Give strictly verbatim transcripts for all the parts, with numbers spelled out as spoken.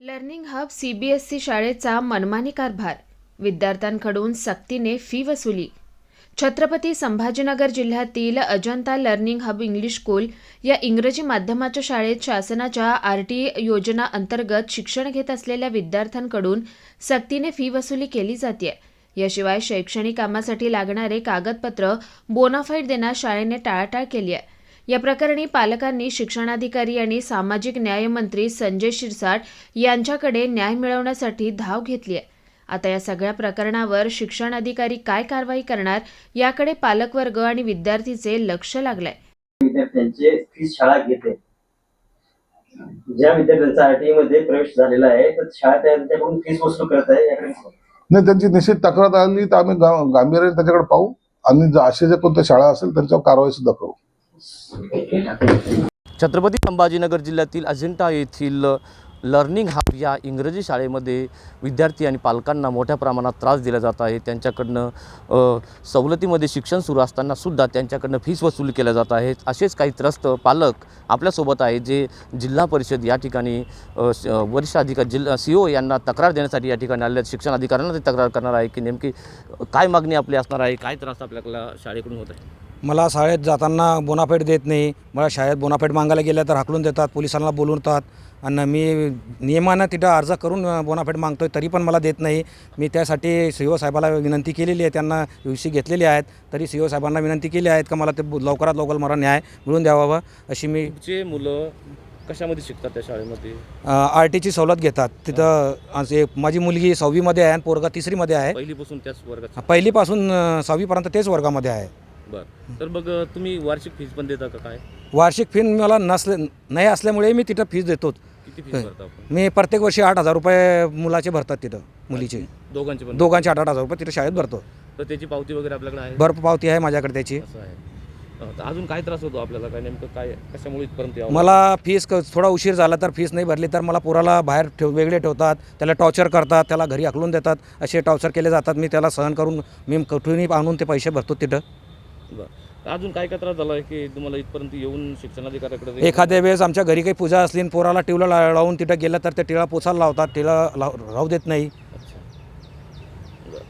Learning hub CBSE शाळेचा मनमानी कारभार, विद्यार्थ्यांकडून सक्तीने फी वसुली। छत्रपती संभाजीनगर जिल्ह्यातील Ajanta learning hub English school या इंग्रजी माध्यमाच्या शाळेत शासनाच्या आर टी योजना अंतर्गत शिक्षण घेत असलेल्या विद्यार्थ्यांकडून सक्तीने फी वसुली केली जाते। याशिवाय शैक्षणिक कामासाठी लागणारे कागदपत्र बोनाफाईड देण्यास शाळेने टाळाटाळ केली आहे। या प्रकरणी पालकांनी शिक्षणाधिकारी आणि सामाजिक न्याय मंत्री संजय शिरसाट यांच्याकडे न्याय मिळवण्यासाठी धाव घेतली आहे। आता या सगळ्या प्रकरणावर शिक्षण अधिकारी काय कारवाई करणार याकडे पालकवर्ग आणि विद्यार्थीचे लक्ष लागलंय। विद्यार्थ्यांचे फीस शाळा घेते। ज्या विद्यार्थ्यांचा आरटीई मध्ये प्रवेश झालेला आहे तर शाळा त्यांच्याकडून फीस वसूल करत आहे। याकडे नाही, त्यांची निश्चित तक्रार आली तर आम्ही गांभीर्याने त्याच्याकडे पाहू आणि असे जे कोणत्या शाळा असेल त्यांच्यावर कारवाई सुद्धा करू। छत्रपती संभाजीनगर जिल्ह्यातील अजिंठा येथील लर्निंग हब या इंग्रजी शाळेमध्ये विद्यार्थी आणि पालकांना मोठ्या प्रमाणात त्रास दिला जात आहे। त्यांच्याकडनं सवलतीमध्ये शिक्षण सुरू असताना सुद्धा त्यांच्याकडनं फीस वसूल केल्या जात आहे। असेच काही त्रस्त पालक आपल्यासोबत आहे जे जिल्हा परिषद या ठिकाणी वरिष्ठ अधिकारी जिल्हा सी ओ यांना तक्रार देण्यासाठी या ठिकाणी आले आहेत। शिक्षण अधिकाऱ्यांना ते तक्रार करणार आहे की नेमकी काय मागणी आपली असणार आहे, काय त्रास आपल्याला शाळेकडून होत आहे। मला शाळेत जाताना बोनाफाईड देत नाही, मला शाळेत बोनाफाईड मागायला गेल्या तर हाकलून देतात, पोलिसांना बोलवतात आणि मी नियमानं तिथं अर्ज करून बोनाफाईड मागतो आहे तरी पण मला देत नाही। मी त्यासाठी सी ओ साहेबाला विनंती केलेली आहे, त्यांना यू सी घेतलेली आहेत, तरी सी ओ साहेबांना विनंती केली आहेत का मला ते लवकरात लवकर मला न्याय मिळून द्यावा अशी मी। जे मुलं कशामध्ये शिकतात त्या शाळेमध्ये? आर टीची सवलत घेतात तिथं। असे माझी मुलगी सहावीमध्ये आहे आणि पोरगा तिसरीमध्ये आहे। पहिलीपासून त्याच वर्गात? पहिलीपासून सहावीपर्यंत तेच वर्गामध्ये आहे। बरं, तर मग तुम्ही वार्षिक फीस पण देता का? काय वार्षिक फी मला नसले नाही असल्यामुळे मी तिथं फीस देतो। किती फीस भरता आपण? मी प्रत्येक वर्षी आठ हजार रुपये मुलाचे भरतात तिथं, मुलीचे दोघांचे पण? दोघांचे आठ आठ हजार रुपये तिथं शाळेत भरतो। तर त्याची पावती वगैरे आपल्याकडे आहे? भरपूर पावती आहे माझ्याकडे त्याची। असं आहे। तर अजून काय त्रास होतो आपल्याला? काय नेमकं काय कशामुळे इथपर्यंत यावं? मला फीस थोडा उशीर झाला तर फीस नाही भरली तर मला पोराला बाहेर ठेव वेगळे ठेवतात, त्याला टॉर्चर करतात, त्याला घरी हाकलून देतात, असे टॉर्चर केले जातात। मी त्याला सहन करून मी कुठूनही आणून ते पैसे भरतो तिथं। बरं, अजून काय काय त्रास झाला आहे की तुम्हाला इथपर्यंत येऊन शिक्षणाधिकाऱ्याकडे? एखाद्या वेळेस आमच्या घरी काही पूजा असली आणि पोराला टिवला लावून तिथं गेलं तर ते टिळा पोचायला लावतात, टिळा लाव राहू देत नाही। अच्छा, बरं.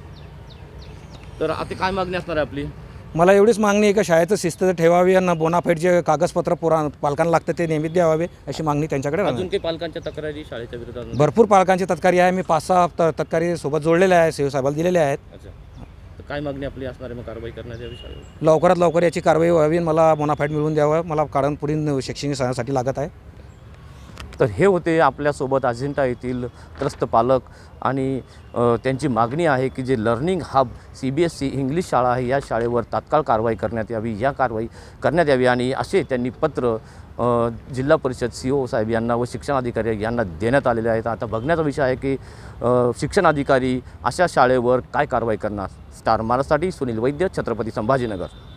तर आता काय मागणी असणार आहे आपली? मला एवढीच मागणी आहे की शाळेचं शिस्त ठेवावी आणि बोनाफाईड जे कागदपत्र पोरा पालकांना लागतं ते नियमित द्यावे अशी मागणी त्यांच्याकडे अजून राहणार। काही पालकांच्या तक्रारी शाळेच्या विरोधात? भरपूर पालकांची तक्रारी आहे, मी पाच सहा त तक्रारी सोबत जोडलेल्या आहे, सी ओ साहेबाला दिलेल्या आहेत। अच्छा, तर काय मागणी आपली असणार आहे मग कारवाई करण्याच्या विषयावर? लवकरात लवकर याची कारवाई व्हावी, मला बोनाफाईड मिळवून द्यावं, मला कारण पुढील शैक्षणिक सणासाठी लागत आहे। तर हे होते आपल्यासोबत अजिंठा येथील त्रस्त पालक आणि त्यांची मागणी आहे की जे learning hub C B S E English शाळा आहे या शाळेवर तात्काळ कारवाई करण्यात यावी, या कारवाई करण्यात यावी आणि असे त्यांनी पत्र जिल्हा परिषद सी ओ साहेब यांना व शिक्षणाधिकारी यांना देण्यात आलेले आहेत। आता बघण्याचा विषय आहे की शिक्षणाधिकारी अशा शाळेवर काय कारवाई करणार। स्टार महाराष्ट्रासाठी सुनील वैद्य, छत्रपती संभाजीनगर।